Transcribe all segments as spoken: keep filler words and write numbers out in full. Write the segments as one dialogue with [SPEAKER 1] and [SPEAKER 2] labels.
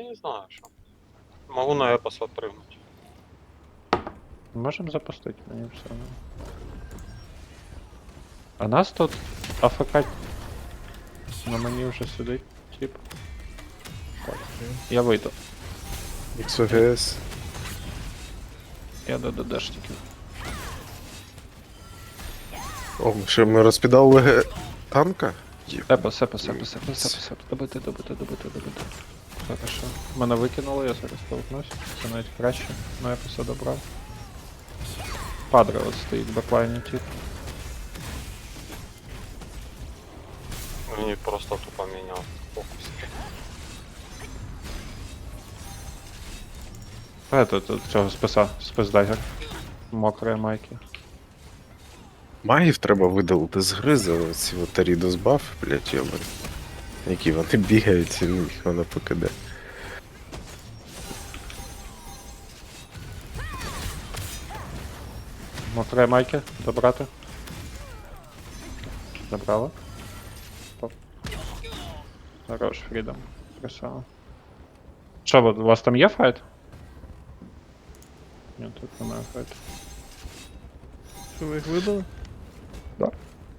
[SPEAKER 1] не знаю, что. Могу на эпос отпрыгнуть.
[SPEAKER 2] Можем запустить, мені все одно. А нас тут АФК на мені вже сидить, тип. Так, я вийду.
[SPEAKER 3] ікс о ге ес.
[SPEAKER 2] Я до ДДшників.
[SPEAKER 3] О, що ми розпідали ге- танка? Є.
[SPEAKER 2] Сепа, сепа, сепа, сепа, сепа, сепа. Добити, добити, добити, добити. Хорошо. Мене викинуло, я зараз толкнусь. Це навіть краще. Ну я все добрав. Падре от стоїть в беклайні, тип.
[SPEAKER 1] Мне просто тупо менял фокус.
[SPEAKER 2] Это, тут цього списа, списдайгер. Мокрої майки.
[SPEAKER 3] Магів треба видалити з гри за ці от Арідос баф, блять, йобані. Які вони бігають, і їх воно покиде.
[SPEAKER 2] Мокрої майки, добрати. Добрала. Топ. Хорош, Фрідом. Красава. Що, у вас там є файт? Ні, тут немає файту.
[SPEAKER 4] Що ви їх вибили?
[SPEAKER 2] Да.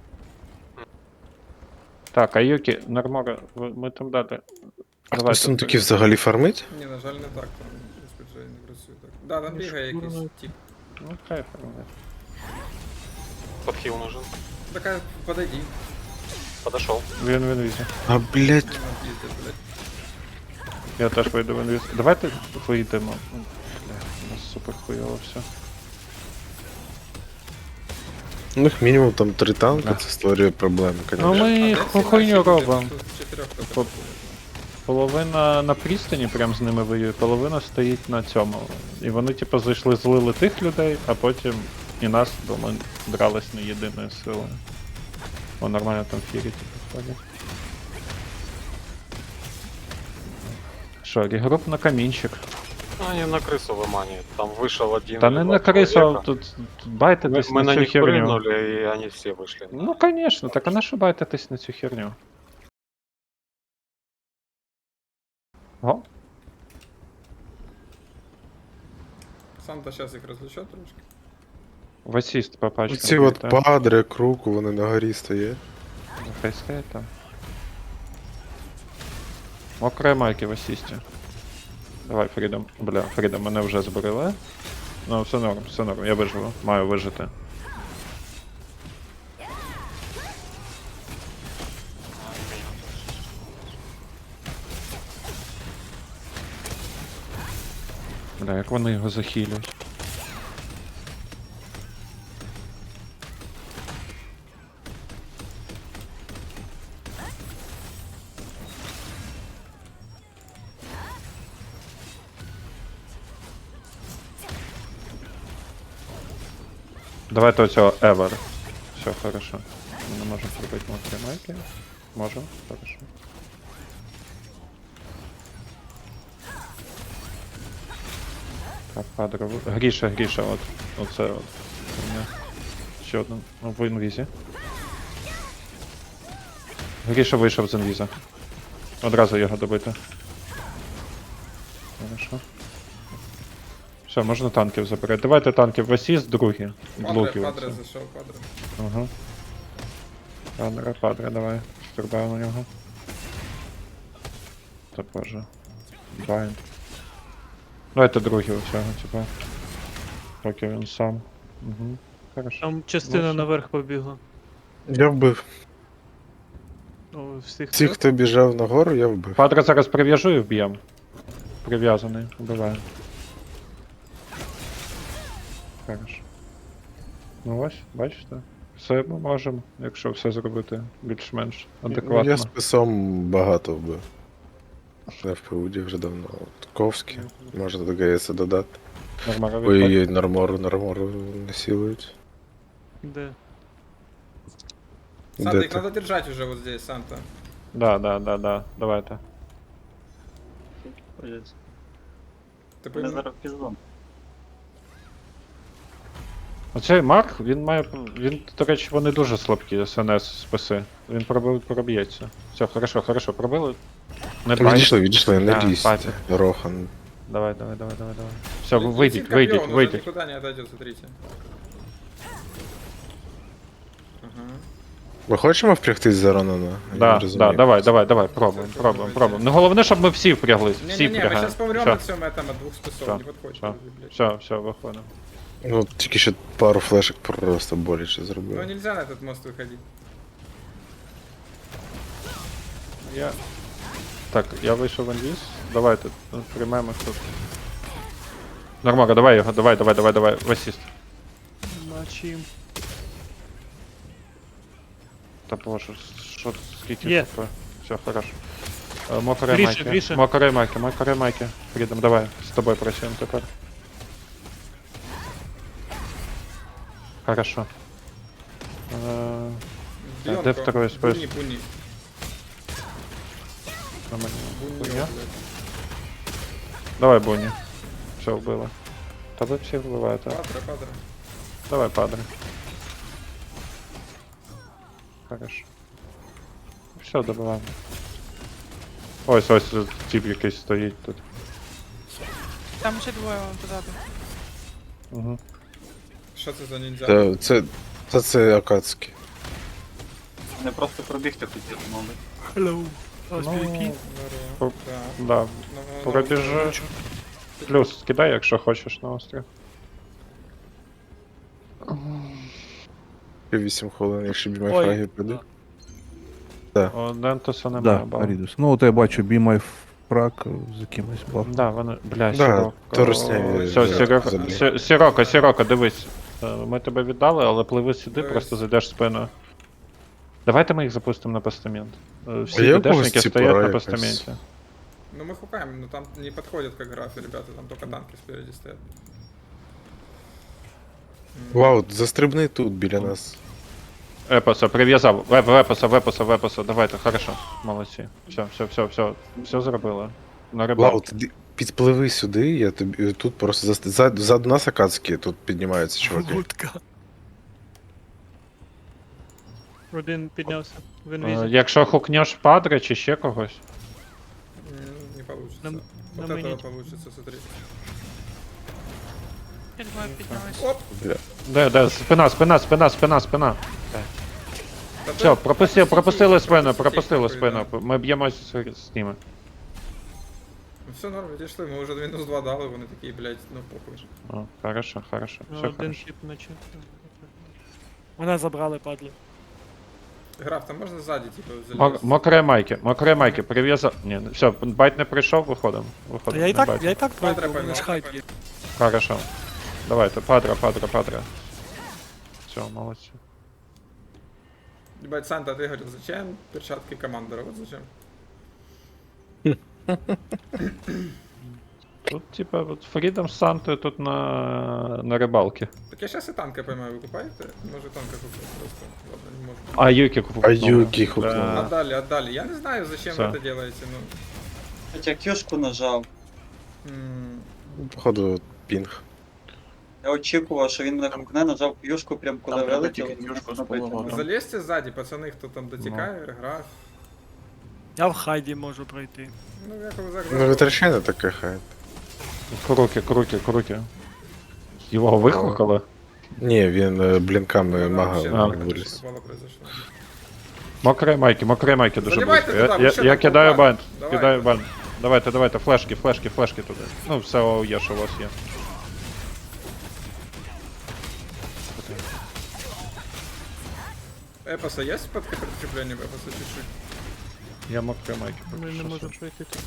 [SPEAKER 2] Так, а Юкі, Нормора, ви- ми там дати.
[SPEAKER 3] А
[SPEAKER 2] Давайте.
[SPEAKER 3] хтось там таки взагалі фармить?
[SPEAKER 5] Ні, на жаль, не так, там розпорядження не працює так. Да, там бігає якийсь тип.
[SPEAKER 2] Ну, хай формує.
[SPEAKER 1] Подхил нужен.
[SPEAKER 5] Така, подойди.
[SPEAKER 1] Подошел.
[SPEAKER 2] Він він візі.
[SPEAKER 3] А, блять,
[SPEAKER 5] Не надо їздити, блядь.
[SPEAKER 2] Я теж вийду він візі. Давайте вийдемо. Ну, бля, у нас супер хуйово все.
[SPEAKER 3] ну їх мінімум там три танка,
[SPEAKER 2] Да.
[SPEAKER 3] це створює проблеми,
[SPEAKER 2] Ну
[SPEAKER 3] конечно.
[SPEAKER 2] ми
[SPEAKER 5] А де
[SPEAKER 2] ху-
[SPEAKER 5] всі
[SPEAKER 2] хуйню
[SPEAKER 5] наші люди?
[SPEAKER 2] робимо.
[SPEAKER 5] Тут чотирьох тільки
[SPEAKER 2] По-
[SPEAKER 5] було.
[SPEAKER 2] Половина на пристані прям з ними воює, половина стоїть на цьому. І вони типу зайшли, злили тих людей, а потім і нас, бо ми дрались не єдиною силою. О, нормально там фірі типу ходять. Що, регруп на камінчик.
[SPEAKER 1] Ну, они на крысу выманивают. Там вышел один.
[SPEAKER 2] Та не
[SPEAKER 1] два
[SPEAKER 2] на крису,
[SPEAKER 1] человека.
[SPEAKER 2] тут тут байтитесь
[SPEAKER 1] Мы, мы
[SPEAKER 2] на
[SPEAKER 1] на
[SPEAKER 2] цю
[SPEAKER 1] них
[SPEAKER 2] херню.
[SPEAKER 1] прыгнули, и они все вышли.
[SPEAKER 2] Ну конечно, так а на що байтитесь на цю херню? О,
[SPEAKER 5] Санта зараз їх розлучать трошки.
[SPEAKER 2] в асіст по пачкам.
[SPEAKER 3] Ці от
[SPEAKER 2] прилітає.
[SPEAKER 3] падре, круку, вони на горі стоять.
[SPEAKER 2] Ну, хай стоять там. Мокрые майки в асісті. Давай, Фрідом. Бля, Фрідом, мене вже збрили. Ну, все норм, все норм, я виживу. Маю вижити. Бля, як вони його захилюють. Давайте оцього Ever. Все, хорошо. Ми не можемо зробити мокрі майки. Можемо, хорошо. Так, падре. в- Гріша, Гріша, от. Оце от. У мене ще один. Ну, в інвізі. Гріша вийшов з інвіза. Одразу його добити. Хорошо. Все, можна танків забирати. Давайте танків в асіст, другі.
[SPEAKER 5] Падре,
[SPEAKER 2] Блоки
[SPEAKER 5] падре
[SPEAKER 2] оце.
[SPEAKER 5] зайшов, падре.
[SPEAKER 2] Ага. Падре, падре, давай. Стрибаємо на нього. Та боже. Байн. Давайте другі у цього, типа. Поки він сам. Угу. Хорошо.
[SPEAKER 4] Там частина
[SPEAKER 2] Ну,
[SPEAKER 4] наверх побігла.
[SPEAKER 3] Я вбив.
[SPEAKER 4] Ну, всіх
[SPEAKER 3] Ті, хто біжав нагору, я вбив.
[SPEAKER 2] Падре зараз прив'яжу і вб'єм. Прив'язаний, вбиваю. Хорошо. Ну ось, бачите? Все ми можемо, якщо все зробити більш-менш адекватно.
[SPEAKER 3] Я списом багато вбив. Я в Пауді вже давно. От Ковський, можна до ГС додати.
[SPEAKER 2] Нормально
[SPEAKER 3] Ой,
[SPEAKER 2] відходить.
[SPEAKER 3] ой, нормору, нормору насилують.
[SPEAKER 4] Де?
[SPEAKER 5] Санта,
[SPEAKER 3] Де
[SPEAKER 5] їх
[SPEAKER 3] ти?
[SPEAKER 5] надо держать уже вот здесь, Санта.
[SPEAKER 2] Да, да, да, да, давайте.
[SPEAKER 5] Ти пойми?
[SPEAKER 2] Оцей Марк, він має. Він, до речі, вони дуже слабкі, СНС списи. Він пробив, проб'ється. Все, хорошо, хорошо, пробили. Не бай.
[SPEAKER 3] Відійшли, відійшли, не
[SPEAKER 2] Да,
[SPEAKER 3] лізь.
[SPEAKER 2] папі.
[SPEAKER 3] Рохан.
[SPEAKER 2] Давай, давай, давай, давай, давай. Все,
[SPEAKER 5] Летит
[SPEAKER 2] вийдіть,
[SPEAKER 5] копье,
[SPEAKER 2] вийдіть,
[SPEAKER 5] он уже
[SPEAKER 2] вийдіть.
[SPEAKER 5] никуда не отойдет, смотрите. Ага.
[SPEAKER 3] Ми хочемо впрягтись за Ронана? Я не
[SPEAKER 2] Да,
[SPEAKER 3] розумію.
[SPEAKER 2] да, давай, давай, давай, пробуємо,
[SPEAKER 5] Це
[SPEAKER 2] пробуємо,
[SPEAKER 5] пробуйте.
[SPEAKER 2] пробуємо. Ну головне, щоб ми всі впряглись, всі
[SPEAKER 5] Не-не-не, мы
[SPEAKER 2] впрягаємо.
[SPEAKER 5] сейчас помрем
[SPEAKER 2] Все,
[SPEAKER 5] от всем этом, от двух спецов,
[SPEAKER 2] Всё,
[SPEAKER 5] не подходит.
[SPEAKER 2] всё.
[SPEAKER 5] блядь.
[SPEAKER 2] все, все, виходимо.
[SPEAKER 3] Ну, тільки що пару флешок просто боляче
[SPEAKER 5] Ну
[SPEAKER 3] зробив.
[SPEAKER 5] нельзя на этот мост выходить.
[SPEAKER 2] Я... Так, я вийшов в інвіз. Давайте, ну, приймемо тут. Нормально, давай його, давай, давай, давай, давай, в асіст.
[SPEAKER 4] Мачим.
[SPEAKER 2] Та боже, що тут, скільки
[SPEAKER 4] Є.
[SPEAKER 2] хп? Все, хорошо. Е, Мокре
[SPEAKER 4] Гріше,
[SPEAKER 2] майки,
[SPEAKER 4] Гріше.
[SPEAKER 2] мокре майки, мокре майки. Фрідом, давай, з тобою працюємо тепер. Хорошо. Е,
[SPEAKER 5] Бьёнко.
[SPEAKER 2] де второй спец?
[SPEAKER 5] Буни, буни.
[SPEAKER 2] на мені.
[SPEAKER 5] Буни,
[SPEAKER 2] Хуйня.
[SPEAKER 5] блядь.
[SPEAKER 2] Давай, Буні. Все, вбили. Та ви всіх вбиваєте.
[SPEAKER 5] Падра, падра.
[SPEAKER 2] Давай, падре. Хорошо. Все, добиваємо. Ось, ось тип якийсь стоїть тут.
[SPEAKER 6] Там ще двоє вон позаду.
[SPEAKER 2] Угу.
[SPEAKER 5] Що це за ніндзя?
[SPEAKER 3] Це, це, це, це Акацькі.
[SPEAKER 7] Не просто пробігти хотів, мабуть.
[SPEAKER 4] Hello. Ось
[SPEAKER 2] Ну,
[SPEAKER 4] PvP.
[SPEAKER 2] По-
[SPEAKER 5] Да.
[SPEAKER 2] Да.
[SPEAKER 5] Ну, ну,
[SPEAKER 2] Пробіжи. Плюс кидай, якщо хочеш на острів.
[SPEAKER 3] вісім хвилин, якщо бімай
[SPEAKER 4] Ой.
[SPEAKER 3] фраги прийде.
[SPEAKER 2] О, Дентуса немає,
[SPEAKER 8] Да,
[SPEAKER 2] бал.
[SPEAKER 8] Арідус. Ну, от я бачу Бімай фраг з якимось баф.
[SPEAKER 2] Да, вони, бля,
[SPEAKER 3] Да,
[SPEAKER 2] Сіроко.
[SPEAKER 3] то русняві
[SPEAKER 2] Все,
[SPEAKER 3] за-
[SPEAKER 2] Сіроко,
[SPEAKER 3] забій.
[SPEAKER 2] Сі- Сіроко, Сіроко, дивись. Е, Ми тебе віддали, але пливи сюди,
[SPEAKER 5] Дивись.
[SPEAKER 2] просто зайдеш спиною. Давайте ми їх запустимо на постамент. Е, Всі
[SPEAKER 3] А є у
[SPEAKER 2] ДДшники
[SPEAKER 3] когось ці
[SPEAKER 2] стоять на
[SPEAKER 3] пора якась?
[SPEAKER 2] постаменті.
[SPEAKER 5] Ну мы хукаем, но там не подходят как графы, ребята, там только танки спереди стоят. М.
[SPEAKER 3] Вау, застрибни тут біля нас.
[SPEAKER 2] Епоса, прив'язав. Веп, вепоса, вепоса, вепоса. Давайте, хорошо. Молодці. Все, все, все, все. Все зробили. На
[SPEAKER 3] Вау,
[SPEAKER 2] рибалку.
[SPEAKER 3] ти підпливи сюди, я тобі тут просто заст... за, ззаду нас Акацькі тут піднімаються, чуваки.
[SPEAKER 4] Вудка. Один піднявся в
[SPEAKER 2] Е,
[SPEAKER 4] інвізі.
[SPEAKER 2] Якщо хукнеш падре чи ще когось.
[SPEAKER 5] М, Не получится.
[SPEAKER 4] На-
[SPEAKER 5] вот
[SPEAKER 4] на
[SPEAKER 5] этого
[SPEAKER 4] мини.
[SPEAKER 5] получится, смотри.
[SPEAKER 6] Я двоє піднялись.
[SPEAKER 5] Оп!
[SPEAKER 3] Бля.
[SPEAKER 2] Де, де, спина, спина, спина, спина, спина.
[SPEAKER 5] Да
[SPEAKER 2] Все,
[SPEAKER 5] ты-
[SPEAKER 2] пропусти, пропустили
[SPEAKER 5] пропустите,
[SPEAKER 2] спину,
[SPEAKER 5] пропустите,
[SPEAKER 2] пропустили
[SPEAKER 5] нахуй,
[SPEAKER 2] спину. Ми б'ємось з, з ними.
[SPEAKER 5] Ну все норм, відійшли, ми вже мінус два дали, вони такі, блядь, ну похуй.
[SPEAKER 2] О, хорошо, хорошо.
[SPEAKER 4] Ну,
[SPEAKER 2] Все
[SPEAKER 4] Один
[SPEAKER 2] хорошо.
[SPEAKER 4] тип наче. Мене забрали, падли.
[SPEAKER 5] Граф, там можна ззаді, типу,
[SPEAKER 2] Мок-
[SPEAKER 5] залізти?
[SPEAKER 2] Мокре майки, мокре майки, прив'язав. Ні, все, байт не прийшов, виходимо.
[SPEAKER 4] Та
[SPEAKER 2] Виходимо.
[SPEAKER 4] я і
[SPEAKER 2] не
[SPEAKER 4] так,
[SPEAKER 2] байт.
[SPEAKER 4] я і так
[SPEAKER 5] Падре
[SPEAKER 4] пройду, у мене
[SPEAKER 5] поймав,
[SPEAKER 4] ж хайп
[SPEAKER 5] падре.
[SPEAKER 4] є.
[SPEAKER 2] Хорошо. Давайте, падра, падра, падра. Все, молодці.
[SPEAKER 5] Ебать, Санта, ты говорил, зачем перчатки командора? Вот зачем?
[SPEAKER 2] Тут, типа, вот Фрідом з Сантою тут на, на рибалці.
[SPEAKER 5] Так я сейчас и танка поймаю, вы купаете? Может танка купить просто. Ладно, не может.
[SPEAKER 2] А Юкі купив.
[SPEAKER 3] А Юкі хукнув.
[SPEAKER 2] Да.
[SPEAKER 5] Отдали, отдали. Я не знаю, зачем
[SPEAKER 2] Всё.
[SPEAKER 5] вы это делаете, ну.
[SPEAKER 7] Хоча кюшку нажав.
[SPEAKER 5] м,
[SPEAKER 3] Походу, пінг.
[SPEAKER 7] Я очікував, що він мене гукне, нажав кюшку прям коли
[SPEAKER 9] Там треба
[SPEAKER 7] вилетів.
[SPEAKER 9] тільки кюшку з
[SPEAKER 7] напитимо.
[SPEAKER 9] поворотом.
[SPEAKER 5] Залезьте сзади, пацаны, кто там дотекает, граф.
[SPEAKER 4] Я в хайді можу пройти.
[SPEAKER 5] Ну, як ви зараз.
[SPEAKER 3] Ну, витрачай на таке хай.
[SPEAKER 2] Круки, круки, круки. Його вихукали.
[SPEAKER 3] Ні, він е, блінками мага
[SPEAKER 2] А.
[SPEAKER 3] виліз.
[SPEAKER 5] произошло.
[SPEAKER 2] Мокре майки, мокре майки дуже
[SPEAKER 5] Заливайте
[SPEAKER 2] близько. Я,
[SPEAKER 5] туди, ви
[SPEAKER 2] я,
[SPEAKER 5] що
[SPEAKER 2] я
[SPEAKER 5] там
[SPEAKER 2] кидаю
[SPEAKER 5] купали?
[SPEAKER 2] банд,
[SPEAKER 5] Давайте.
[SPEAKER 2] кидаю банд. Давайте, давайте, флешки, флешки, флешки туди. Ну, все о, є, що у вас є.
[SPEAKER 5] Эпоса есть под подкрепление эпоса чуть-чуть?
[SPEAKER 2] Я мокре майки.
[SPEAKER 4] Ми
[SPEAKER 2] поки
[SPEAKER 4] не
[SPEAKER 2] що
[SPEAKER 4] можемо
[SPEAKER 2] собі.
[SPEAKER 4] пройти тут.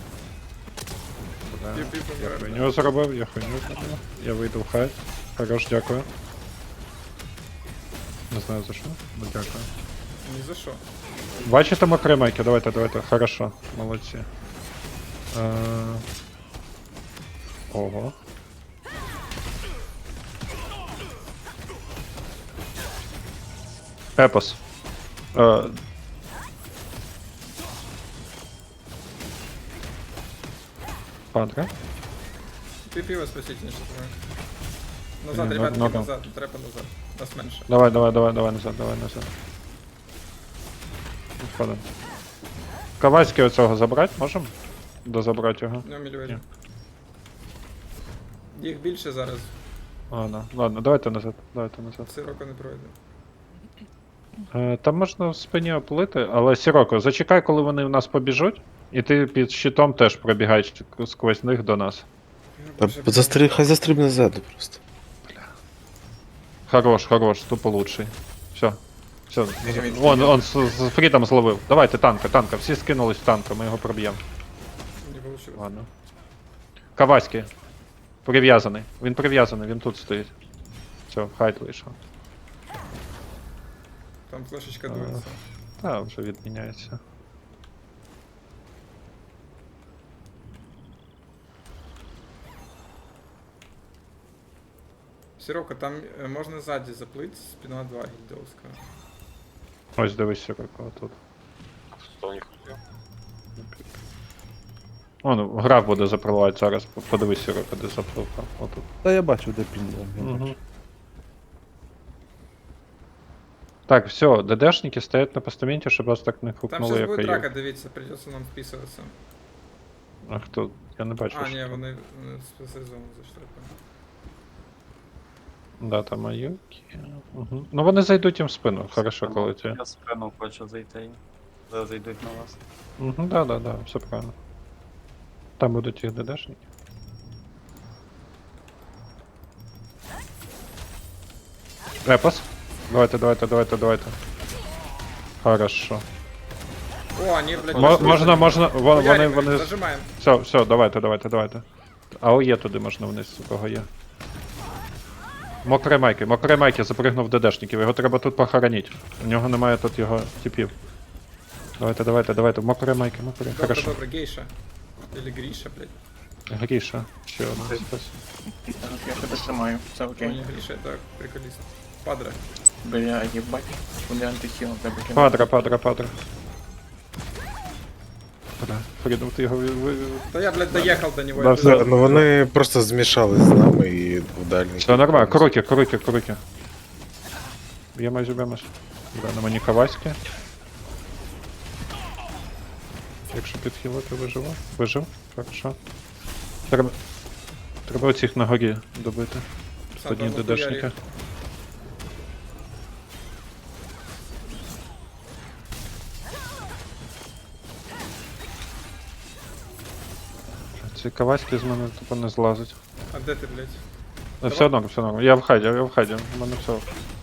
[SPEAKER 2] Да.
[SPEAKER 5] Піп-піп,
[SPEAKER 2] Я
[SPEAKER 5] помираю.
[SPEAKER 2] хуйню зробив, я хуйню зробив. Я вийду в хайт. Хорош, дякую. Не знаю за що, ну дякую.
[SPEAKER 5] Ни за что.
[SPEAKER 2] Бачите мокре майки? Давайте, давайте. Хорошо, молодці. Е... Ого. Епос. Е... Падре?
[SPEAKER 5] Пиво спасите, не что-то. Назад,
[SPEAKER 2] Не,
[SPEAKER 5] ребятки,
[SPEAKER 2] ну- ну-ка.
[SPEAKER 5] назад, треба назад. Нас меньше.
[SPEAKER 2] Давай, давай, давай, давай назад, давай назад. Виходимо. Кавайський оцього забрати можемо? Дозабрати його.
[SPEAKER 5] Ну, мільйонів. Їх більше зараз,
[SPEAKER 2] Ладно, ладно, давайте назад, давайте назад.
[SPEAKER 5] сироко не пройде.
[SPEAKER 2] Е, там можна в спині оплити, але Сіроко, зачекай, коли вони в нас побіжуть, і ти під щитом теж пробігаєш сквозь них до нас.
[SPEAKER 3] Та застри... хай застрибне ззаду просто.
[SPEAKER 2] Хорош, хорош, тупо лучший. Все. Все. Вон, он з, з фрітом зловив. Давайте танка, танка. Всі скинулись в танка, ми його проб'ємо.
[SPEAKER 5] Не вийшло.
[SPEAKER 2] Ладно. Каваський. Прив'язаний. Він прив'язаний, він тут стоїть. Все, хайт вийшов.
[SPEAKER 5] Там флешечка
[SPEAKER 2] А.
[SPEAKER 5] дується.
[SPEAKER 2] Та, вже відміняється.
[SPEAKER 5] Сироко, там е, можна ззаді заплити, спина два гільдовська.
[SPEAKER 2] Ось дивись, Сіроко, тут.
[SPEAKER 1] Что у них?
[SPEAKER 2] О, ну, граф буде запливати зараз. Подивись, Сіроко, де запливка. Отут.
[SPEAKER 8] Та я бачу, де пінло.
[SPEAKER 2] Угу. Так, все, ДДшники стоять на постаменті, щоб вас так не
[SPEAKER 5] Там
[SPEAKER 2] хукнули,
[SPEAKER 5] зараз
[SPEAKER 2] як
[SPEAKER 5] буде
[SPEAKER 2] і
[SPEAKER 5] драка,
[SPEAKER 2] я.
[SPEAKER 5] дивіться, придеться нам вписуватися.
[SPEAKER 2] А хто? Я не бачу.
[SPEAKER 5] А,
[SPEAKER 2] що
[SPEAKER 5] ні,
[SPEAKER 2] там.
[SPEAKER 5] вони вони з сезону зайшли.
[SPEAKER 2] Да, там Аюки. Угу. Ну вони зайдуть їм в спину, хорошо, коли ті.
[SPEAKER 7] Я спину хочу зайти. Зараз зайдуть на вас.
[SPEAKER 2] Угу, да, да, да, все правильно. Там будуть їх ДДшники. Епос. Давайте, давайте, давайте, давайте. Хорошо.
[SPEAKER 5] О, вони, блядь,
[SPEAKER 2] Мо-
[SPEAKER 5] пішли.
[SPEAKER 2] можна, можна, вон- вони,
[SPEAKER 5] Хуяримо їх,
[SPEAKER 2] вони...
[SPEAKER 5] Зажимаємо.
[SPEAKER 2] Все, все, давайте, давайте, давайте. А о, є туди можна вниз, у кого є. Мокре майки, мокре майки запригнув ДДшників, його треба тут похоронити. У нього немає тут його типів. Давайте, давайте, давайте, мокре майки, мокре.
[SPEAKER 5] Добре,
[SPEAKER 2] Хорошо.
[SPEAKER 5] добре, гейша. Или Гріша, блядь.
[SPEAKER 2] Гріша, ще одна. спас.
[SPEAKER 9] Я тебе тримаю, все
[SPEAKER 5] О,
[SPEAKER 9] окей.
[SPEAKER 5] не Гріша, так, приколіст. Падре.
[SPEAKER 9] Бля, їбать, куди антихіл тебе кинув.
[SPEAKER 2] Падра, падра, падра. Бля, Фрідом, ти його... ви- ви-
[SPEAKER 5] Та я, блядь, доїхав до нього.
[SPEAKER 2] Да,
[SPEAKER 5] я
[SPEAKER 2] все,
[SPEAKER 5] пиздец.
[SPEAKER 3] Ну вони просто змішались з нами і в дальній.
[SPEAKER 2] Все нормально, круки, круки, круки. Б'ємось, б'ємось. Да, на мені Каваськи. Якщо підхилити, виживу. Вижив, хорошо. Треба... Треба оцих на горі добити.
[SPEAKER 5] Сам
[SPEAKER 2] Одні
[SPEAKER 5] там
[SPEAKER 2] ДДшники.
[SPEAKER 5] нахуярив.
[SPEAKER 2] Ці Каваськи з мене тупо не злазить.
[SPEAKER 5] А де ти, блядь?
[SPEAKER 2] Е, Все одно, все одно. Я в хайді, я в хайді. У мене все.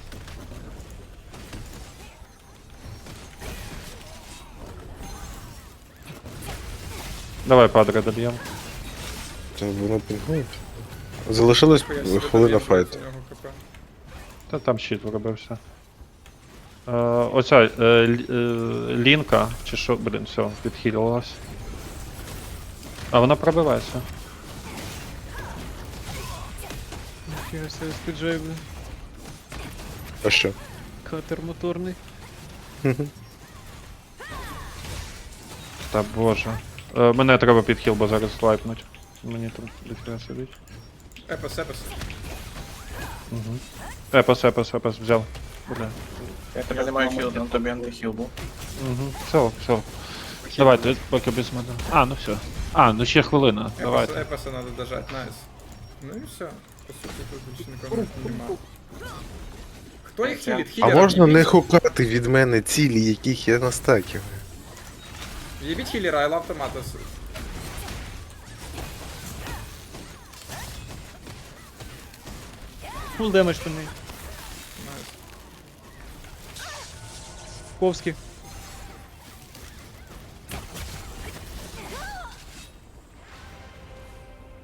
[SPEAKER 2] Давай, падре, доб'ємо.
[SPEAKER 3] Та воно пінгує. Залишилось
[SPEAKER 5] Хуя собі
[SPEAKER 3] хвилина
[SPEAKER 5] доїхав
[SPEAKER 3] файту.
[SPEAKER 5] до нього КП.
[SPEAKER 2] Та там щит виробився. Е, оця е, лі- е, лінка, чи що, блін, все, відхилилась. А вона пробивається.
[SPEAKER 4] Ніфіга себе спіджей, блін.
[SPEAKER 3] А що?
[SPEAKER 4] Катер моторний.
[SPEAKER 2] Та боже. Е, мене треба підхил, бо зараз лайпнуть. Мені там дофіга сидить.
[SPEAKER 5] Епос, епос.
[SPEAKER 2] Угу. Епос, епос, епос, взяв. Бля.
[SPEAKER 9] Я тебе не маю хіл, на тобі антихіл був.
[SPEAKER 2] Угу. Все, все. Давайте, поки без мене. А, ну все. А, ну ще хвилина.
[SPEAKER 5] Епоса,
[SPEAKER 2] Давайте.
[SPEAKER 5] епоса надо дожать, найс. Ну і все. По суті, тут більше нікого не немає. Хто їх хілить?
[SPEAKER 3] А
[SPEAKER 5] Хілера
[SPEAKER 3] можна не
[SPEAKER 5] в'їбіть.
[SPEAKER 3] хукати від мене цілі, яких я настаків?
[SPEAKER 5] В'їбіть хілера, I love tomatoes.
[SPEAKER 4] Фул демедж по неї.
[SPEAKER 5] Найс.
[SPEAKER 4] Ковський.